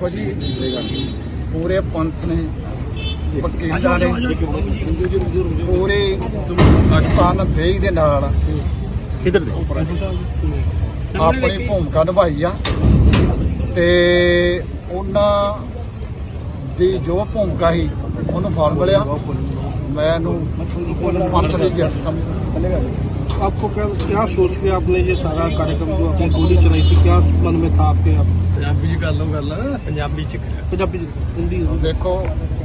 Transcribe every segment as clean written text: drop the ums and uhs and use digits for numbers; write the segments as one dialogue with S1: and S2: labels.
S1: देखो जी पूरे पंथ ने वकीलां ने पूरे तन देही दे नाल अपनी भूमिका निभाई आ ते उन्हां दी जो भूमिका ही उन्होंने फल मिलिया। मैं पंथ की जित समझ।
S2: आपको क्या सोच के आपने ये सारा कार्यक्रम जो आपने गोली चलाई थी, क्या मन में था आपके? आप
S1: पंजाबी कर लो गल
S2: पंजाबी हिंदी
S1: देखो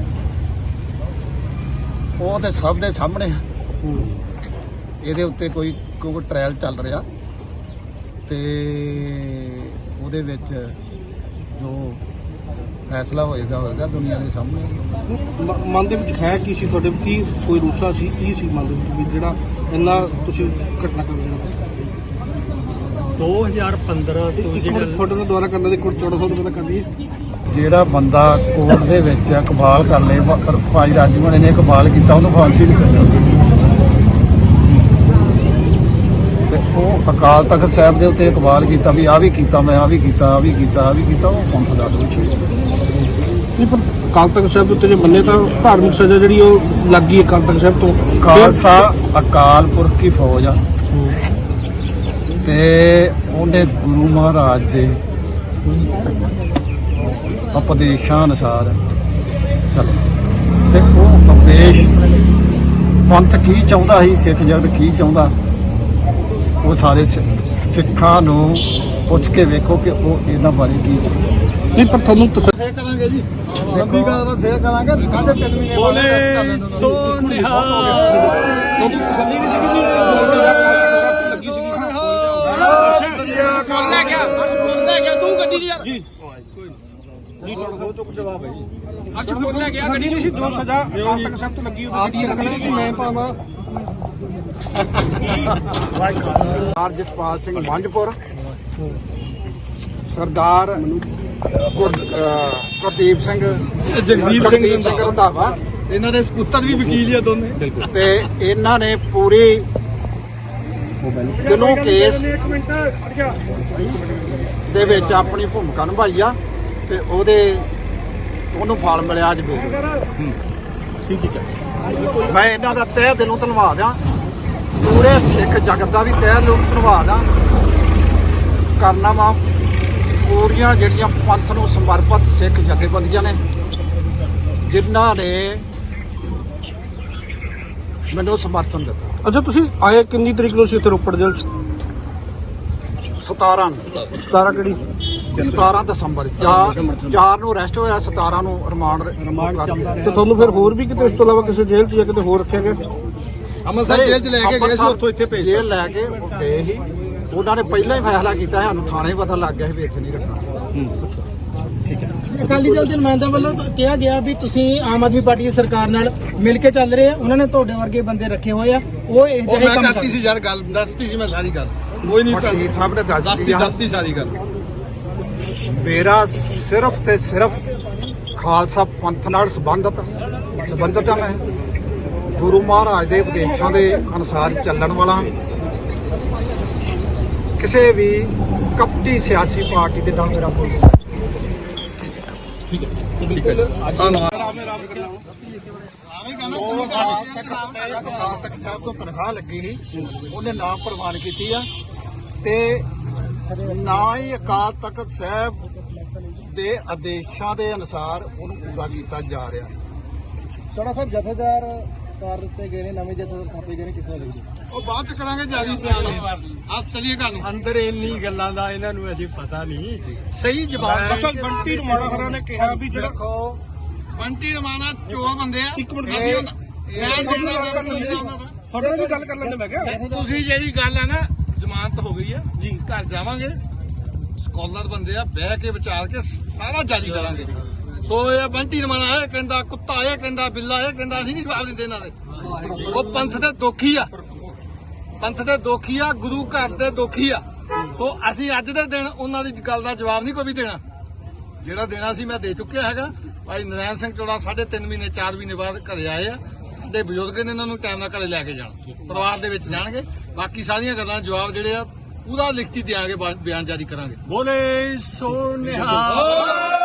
S1: वो तो सब दे सामने ਇਹਦੇ ਉੱਤੇ ਕੋਈ ਟ੍ਰਾਇਲ ਚੱਲ ਰਿਹਾ ਤੇ ਉਹਦੇ ਵਿੱਚ ਜੋ ਫੈਸਲਾ ਹੋਏਗਾ ਦੁਨੀਆ ਦੇ ਸਾਹਮਣੇ।
S2: ਮਨ ਦੇ ਵਿੱਚ ਹੈ ਕੀ ਸੀ ਤੁਹਾਡੇ? ਕੀ ਕੋਈ ਰੂਸਾ ਸੀ? ਕੀ ਸੀ ਮਨ ਦੇ ਵਿੱਚ ਵੀ ਜਿਹੜਾ ਇੰਨਾ ਤੁਸੀਂ ਘਟਨਾ ਕਰ ਰਹੇ ਹੋ?
S3: 2015 ਤੋਂ ਜਿਹੜਾ
S2: ਤੁਹਾਡੇ ਨਾਲ ਦੁਆਰਾ ਕਰਨ ਦੇ ਕੋਲ 1400 ਰੁਪਏ ਦਾ ਕਰਨੀ ਹੈ।
S1: ਜਿਹੜਾ ਬੰਦਾ ਕੋਰਟ ਦੇ ਵਿੱਚ ਇਕਬਾਲ ਕਰ ਲੇ, ਭਾਈ ਰਾਜੂ ਹੋਣੇ ਨੇ ਇਕਬਾਲ ਕੀਤਾ, ਉਹਨੂੰ ਫਾਂਸੀ ਦੀ ਸਜ਼ਾ ਤੇ ਉਹ ਅਕਾਲ ਤਖਤ ਸਾਹਿਬ ਦੇ ਉੱਤੇ ਇਕਬਾਲ ਕੀਤਾ ਵੀ ਆਹ ਵੀ ਕੀਤਾ, ਮੈਂ ਆਹ ਵੀ ਕੀਤਾ, ਆਹ ਵੀ ਕੀਤਾ, ਆਹ ਵੀ ਕੀਤਾ, ਉਹ ਪੰਥ ਦਾ ਦੋਸ਼ੀ।
S2: ਨਹੀਂ ਪਰ ਅਕਾਲ ਤਖਤ ਸਾਹਿਬ ਦੇ ਉੱਤੇ ਜੇ ਮੰਨੇ ਤਾਂ ਧਾਰਮਿਕ ਸਜ਼ਾ ਜਿਹੜੀ ਉਹ ਲੱਗ ਗਈ ਅਕਾਲ ਤਖਤ ਸਾਹਿਬ ਤੋਂ।
S1: ਖਾਲਸਾ ਅਕਾਲ ਪੁਰਖ ਦੀ ਫੌਜ ਆ ਤੇ ਉਹਨੇ ਗੁਰੂ ਮਹਾਰਾਜ ਦੇ ਉਪਦੇਸ਼ਾਂ ਅਨੁਸਾਰ ਚੱਲ ਤੇ ਉਹ ਉਪਦੇਸ਼ ਪੰਥ ਕੀ ਚਾਹੁੰਦਾ ਸੀ, ਸਿੱਖ ਜਗਤ ਕੀ ਚਾਹੁੰਦਾ, ਉਹ ਸਾਰੇ ਸਿੱਖਾਂ ਨੂੰ ਪੁੱਛ ਕੇ ਵੇਖੋ ਕਿ ਉਹ ਇਹਨਾਂ ਬਾਰੇ ਕੀ ਚਾਹੁੰਦਾ।
S2: ਨਹੀਂ ਪਰ ਤੁਹਾਨੂੰ
S1: ਫੇਰ ਕਰਾਂਗੇ ਜੀ, ਲੰਬੀ ਗੱਲ ਫੇਰ ਕਰਾਂਗੇ। 3.5 ਮਹੀਨੇ
S3: ਬੋਲੇ ਸੋ ਨਿਹਾਲ।
S2: ਜਵਾਬ ਹੈ ਜੀ। ਅੱਛਾ ਬੋਲਿਆ ਗਿਆ ਗੱਡੀ ਨਹੀਂ ਸੀ, ਜੋ ਸਜ਼ਾ ਅਕਾਲ ਤਖਤ ਸਾਹਿਬ ਤੋਂ ਲੱਗੀ ਉਹਦੀ ਰੱਖਣੀ ਸੀ ਮੈਂ ਪਾਵਾਂ।
S1: ਸਰਦਾਰ ਜਸਪਾਲ ਸਿੰਘ ਮੰਝਪੁਰ, ਸਰਦਾਰ ਗੁਰਦੀਪ ਸਿੰਘ,
S2: ਜਗਦੀਪ
S1: ਸਿੰਘ ਰੰਧਾਵਾ,
S3: ਇਹਨਾਂ ਦੇ ਸਪੁੱਤਰ ਵੀ ਵਕੀਲ ਆ ਦੋਨੇ।
S1: ਤੇ ਇਹਨਾਂ ਨੇ ਪੂਰੀ ਦਿਲੋਂ ਕੇਸ ਦੇ ਵਿੱਚ ਆਪਣੀ ਭੂਮਿਕਾ ਨਿਭਾਈ ਆ ਤੇ ਉਹਨੂੰ ਫਲ ਮਿਲਿਆ ਅੱਜ ਵੀ।
S2: ਠੀਕ ਹੈ
S1: ਮੈਂ ਇਹਨਾਂ ਦਾ ਤਹਿ ਦਿਲੋਂ ਧੰਨਵਾਦ ਆ, ਪੂਰੇ ਸਿੱਖ ਜਗਤ ਦਾ ਵੀ ਤਹਿ ਦਿਲੋਂ ਧੰਨਵਾਦ ਆ ਕਰਨਾ ਵਾ। ਪੂਰੀਆਂ ਜਿਹੜੀਆਂ ਪੰਥ ਨੂੰ ਸਮਰਪਿਤ ਸਿੱਖ ਜਥੇਬੰਦੀਆਂ ਨੇ ਜਿਨ੍ਹਾਂ ਨੇ ਮੈਨੂੰ ਸਮਰਥਨ ਦਿੱਤਾ।
S2: ਅੱਛਾ ਤੁਸੀਂ ਆਏ ਕਿੰਨੀ ਤਰੀਕ ਨੂੰ ਸੀ ਇੱਥੇ ਰੋਪੜ ਜੇਲ੍ਹ 'ਚ?
S1: 17
S2: ਕਿਹੜੀ?
S1: 17 ਦਸੰਬਰ 4 ਨੂੰ ਅਰੈਸਟ ਹੋਇਆ, 17 ਨੂੰ ਰਿਮਾਂਡ
S2: ਤੇ ਤੁਹਾਨੂੰ ਫਿਰ ਹੋਰ ਵੀ ਕਿਤੇ ਇਸ ਤੋਂ ਇਲਾਵਾ ਕਿਸੇ ਜੇਲ੍ਹ 'ਚ ਜਾਂ ਕਿਤੇ ਹੋਰ ਰੱਖਿਆ ਗਿਆ?
S1: ਅੰਮ੍ਰਿਤਸਰ ਜੇਲ੍ਹ 'ਚ ਲੈ ਕੇ ਗਏ ਸੀ, ਉੱਥੋਂ ਇੱਥੇ ਭੇਜ ਜੇਲ੍ਹ ਲੈ ਕੇ ਗਏ ਸੀ। ਉਹਨਾਂ ਨੇ ਪਹਿਲਾਂ ਹੀ ਫੈਸਲਾ ਕੀਤਾ, ਸਾਨੂੰ ਥਾਣੇ ਪਤਾ ਲੱਗ ਗਿਆ ਸੀ ਵੀ ਇੱਥੇ ਨਹੀਂ ਰੱਖਣਾ।
S4: ਅਕਾਲੀ ਦਲ ਦੇ ਨੁਮਾਇੰਦਿਆਂ ਵੱਲੋਂ ਕਿਹਾ ਗਿਆ ਵੀ ਤੁਸੀਂ ਆਮ ਆਦਮੀ ਪਾਰਟੀ ਦੀ ਸਰਕਾਰ ਨਾਲ ਮਿਲ ਕੇ ਚੱਲ ਰਹੇ ਆ, ਉਹਨਾਂ ਨੇ ਤੁਹਾਡੇ ਵਰਗੇ ਬੰਦੇ ਰੱਖੇ ਹੋਏ ਆ, ਉਹ ਇਹ ਜਿਹੇ ਕੰਮ
S3: ਕਰਤੀ ਸੀ ਯਾਰ, ਗੱਲ ਦੱਸਤੀ ਸੀ ਮੈਂ ਸਾਰੀ ਗੱਲ। ਕੋਈ ਨਹੀਂ
S1: ਵਕੀਲ ਸਾਹਿਬ ਨੇ
S3: ਦੱਸਤੀ ਸਾਰੀ ਗੱਲ।
S1: ਮੇਰਾ ਸਿਰਫ ਤੇ ਸਿਰਫ ਖਾਲਸਾ ਪੰਥ ਨਾਲ ਸੰਬੰਧਤ ਆ। ਮੈਂ ਗੁਰੂ ਮਹਾਰਾਜ ਦੇ ਉਪਦੇਸ਼ਾਂ ਦੇ ਅਨੁਸਾਰ ਚੱਲਣ ਵਾਲਾ, ਕਿਸੇ ਵੀ ਕਪਟੀ ਸਿਆਸੀ ਪਾਰਟੀ ਦੇ ਨਾਲ ਮੇਰਾ ਕੋਈ ਅਕਾਲ ਤਖਤ ਸਾਹਿਬ ਤੋਂ ਤਨਖਾਹ ਲੱਗੀ ਸੀ, ਉਹਨੇ ਨਾ ਪ੍ਰਵਾਨ ਕੀਤੀ ਆ ਤੇ ਨਾ ਹੀ ਅਕਾਲ ਤਖਤ ਸਾਹਿਬ ਦੇ ਆਦੇਸ਼ਾਂ ਦੇ ਅਨੁਸਾਰ ਉਹਨੂੰ ਪੂਰਾ ਕੀਤਾ ਜਾ ਰਿਹਾ।
S4: ਚੌੜਾ ਸਾਹਿਬ ਜਥੇਦਾਰ ਕਰ ਦਿੱਤੇ ਗਏ ਨੇ, ਨਵੇਂ ਜਥੇਦਾਰ ਥਾਪੇ ਗਏ ਨੇ, ਕਿਸ ਤਰ੍ਹਾਂ ਦੇਖਦੇ?
S3: ਉਹ ਬਾਅਦ ਚ ਕਰਾਂਗੇ ਜਾਰੀ ਬਿਆਨ। ਅੱਜ ਚਲੀਏ ਗੱਲ ਨੂੰ।
S5: ਅੰਦਰ ਇੰਨੀ ਗੱਲਾਂ ਦਾ ਇਹਨਾਂ ਨੂੰ ਅਜੇ ਪਤਾ ਨਹੀਂ ਸਹੀ ਜਵਾਬ।
S2: ਅੱਛਾ ਬੰਟੀ ਰਮਾਣਾ ਖਰਾ ਨੇ ਕਿਹਾ ਵੀ ਜਿਹੜਾ
S1: ਦੇਖੋ
S3: ਬੰਟੀ ਰਮਾਣਾ ਚੋਰ ਬੰਦੇ ਆ।
S2: ਇੱਕ ਮਿੰਟ
S3: ਅਸੀਂ
S2: ਤੁਹਾਡੇ ਨਾਲ ਵੀ ਗੱਲ ਕਰ ਲੈਂਦੇ। ਮੈਂ ਕਿਹਾ
S3: ਤੁਸੀਂ ਜਿਹੜੀ ਗੱਲ ਆ ਨਾ, ਜ਼ਮਾਨਤ ਹੋ ਗਈ ਆ ਜੀ, ਘਰ ਜਾਵਾਂਗੇ, ਸਕਾਲਰ ਬੰਦੇ ਆ, ਬਹਿ ਕੇ ਵਿਚਾਰ ਕੇ ਸਾਰਾ ਜਾਰੀ ਕਰਾਂਗੇ। ਸੋ ਇਹ ਬੰਟੀ ਰਮਾਣਾ ਇਹ ਕਹਿੰਦਾ, ਕੁੱਤਾ ਇਹ ਕਹਿੰਦਾ, ਬਿੱਲਾ ਇਹ ਕਹਿੰਦਾ, ਅਸੀਂ ਨਹੀਂ ਜਵਾਬ ਦਿੰਦੇ ਇਹਨਾਂ ਦੇ। ਉਹ ਪੰਥ ਦੇ ਦੋਖੀ ਆ, ਪੰਥ ਦੇ ਦੋਖੀ ਆ, ਗੁਰੂ ਘਰ ਦੇ ਦੋਖੀ ਆ। ਸੋ ਅਸੀਂ ਅੱਜ ਦੇ ਦਿਨ ਉਹਨਾਂ ਦੀ ਗੱਲ ਦਾ ਜਵਾਬ ਨਹੀਂ ਕੋਈ ਵੀ ਦੇਣਾ। ਜਿਹੜਾ ਦੇਣਾ ਸੀ ਮੈਂ ਦੇ ਚੁੱਕਿਆ ਹੈਗਾ। ਭਾਈ ਨਰੈਣ ਸਿੰਘ ਚੋੜਾ 3.5 ਮਹੀਨੇ 4 ਮਹੀਨੇ ਬਾਅਦ ਘਰੇ ਆਏ ਆ। ਸਾਡੇ ਬਜ਼ੁਰਗ ਨੇ ਇਹਨਾਂ ਨੂੰ ਟਾਈਮ ਨਾਲ ਘਰੇ ਲੈ ਕੇ ਜਾਣਾ, ਪਰਿਵਾਰ ਦੇ ਵਿੱਚ ਜਾਣਗੇ। ਬਾਕੀ ਸਾਰੀਆਂ ਗੱਲਾਂ ਜਵਾਬ ਜਿਹੜੇ ਆ ਪੂਰਾ ਲਿਖਤੀ ਦਿਆਂਗੇ, ਬਿਆਨ ਜਾਰੀ ਕਰਾਂਗੇ।
S5: ਬੋਲੇ ਸੋ ਨਿਹਾਲ।